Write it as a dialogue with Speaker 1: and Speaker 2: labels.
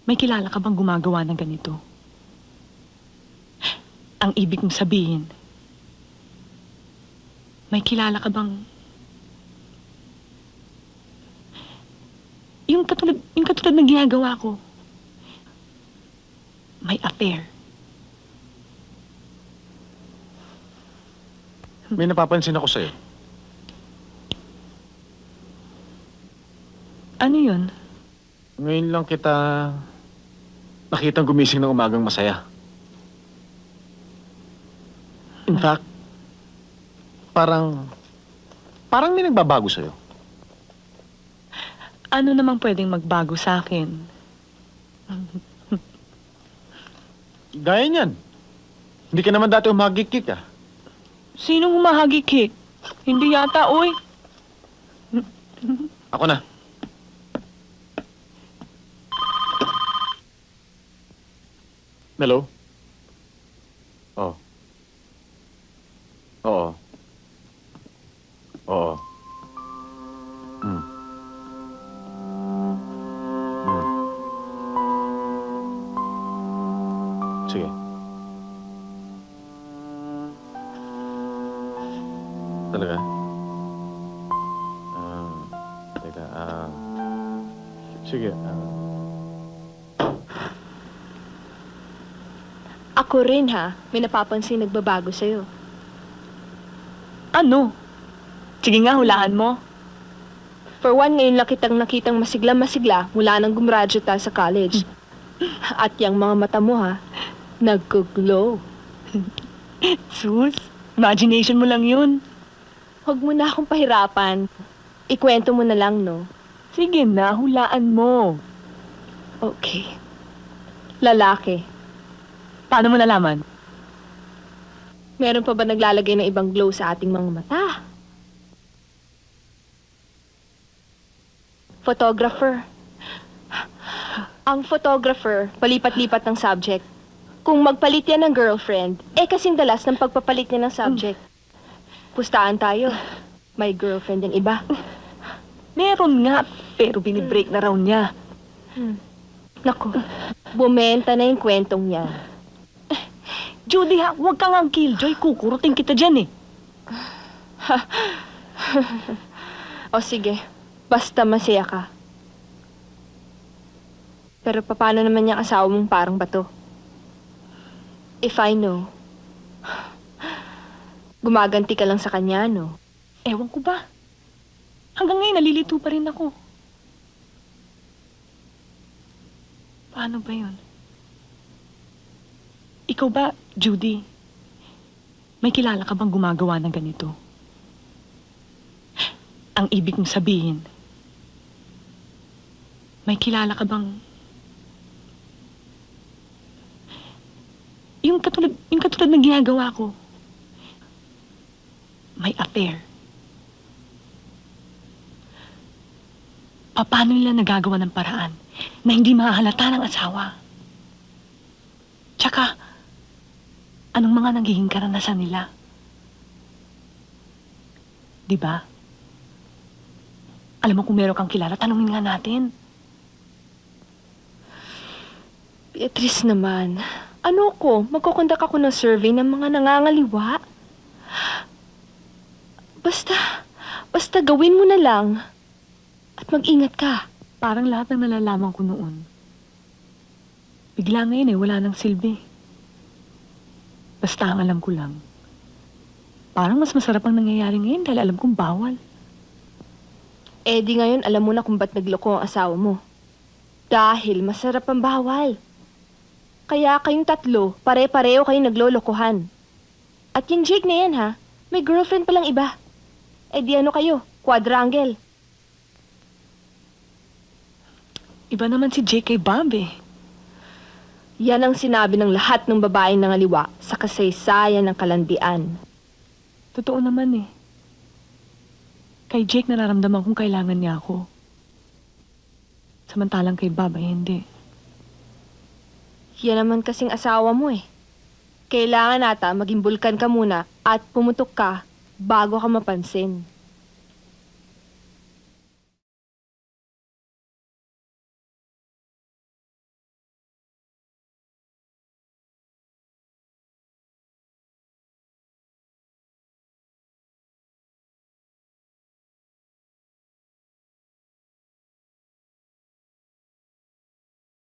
Speaker 1: May kilala ka bang gumagawa ng ganito? Ang ibig kong sabihin, may kilala ka bang... Yung katulad ng ginagawa ko. May affair.
Speaker 2: May napapansin ako sa'yo.
Speaker 1: Ano yun?
Speaker 2: Ngayon lang kita nakitang gumising ng umagang masaya. In fact, parang may nagbabago sa'yo.
Speaker 1: Ano namang pwedeng magbago sa akin?
Speaker 2: Gaya niyan. Hindi ka naman dati umagikik ah.
Speaker 1: Sinong humahagikik? Hindi yata, oy.
Speaker 2: Ako na. Hello? Oh. Oo. Oo. Hmm. Hmm. Sige. Talaga? Teka, sige,
Speaker 3: Ako rin ha, may napapansin nagbabago sa'yo.
Speaker 1: Ano? Sige nga, hulaan mo.
Speaker 3: For one, ngayon lang kitang nakitang masigla-masigla mula nang gumraduate tayo sa college. At yung mga mata mo ha, nagko-glow.
Speaker 1: Sus, imagination mo lang yun.
Speaker 3: Huwag mo na akong pahirapan. Ikwento mo na lang, no?
Speaker 1: Sige na, hulaan mo.
Speaker 3: Okay. Lalaki.
Speaker 1: Paano mo nalaman?
Speaker 3: Meron pa ba naglalagay ng ibang glow sa ating mga mata? Photographer. Ang photographer, palipat-lipat ng subject. Kung magpalit yan ng girlfriend, kasing dalas ng pagpapalit niya ng subject. Pustaan tayo. May girlfriend yung iba.
Speaker 1: Meron nga, pero binibreak na raw niya.
Speaker 3: Naku, bumenta na yung kwentong yan.
Speaker 1: Judy ha, huwag kang ang killjoy, kukurutin kita dyan eh.
Speaker 3: O sige, basta masaya ka. Pero paano naman yung asawa mong parang bato? If I know, gumaganti ka lang sa kanya, no?
Speaker 1: Ewan ko ba? Hanggang ngayon, nalilito pa rin ako. Paano ba yun? Ikaw ba, Judy? May kilala ka bang gumagawa ng ganito? Ang ibig kong sabihin, may kilala ka bang... Yung katulad ng ginagawa ko. May affair. Paano nila nagagawa ng paraan na hindi mahahalata ng asawa? Tsaka, anong mga nagiging karanasan nila? Diba? Alam mo kung meron kang kilala, tanungin nga natin.
Speaker 3: Beatrice naman, ano ko? Magkukondak ako ng survey ng mga nangangaliwa? Basta gawin mo na lang. At mag-ingat ka.
Speaker 1: Parang lahat ng nalalaman ko noon. Bigla ngayon wala nang silbi. Basta ang alam ko lang. Parang mas masarap ang nangyayari ngayon dahil alam kong bawal.
Speaker 3: Di ngayon alam mo na kung ba't nagloko ang asawa mo. Dahil masarap ang bawal. Kaya kayong tatlo, pare-pareho kayong naglolokohan. At yung Jake na yan ha, may girlfriend palang iba. Di ano kayo, quadrangle.
Speaker 1: Iba naman si Jake kay Bob eh.
Speaker 3: Yan ang sinabi ng lahat ng babaeng nangaliwa sa kasaysayan ng kalandian.
Speaker 1: Totoo naman eh. Kay Jake nararamdaman kong kailangan niya ako. Samantalang kay Bob ay hindi.
Speaker 3: Yan naman kasing asawa mo eh. Kailangan nata maging bulkan ka muna at pumutok ka bago ka mapansin.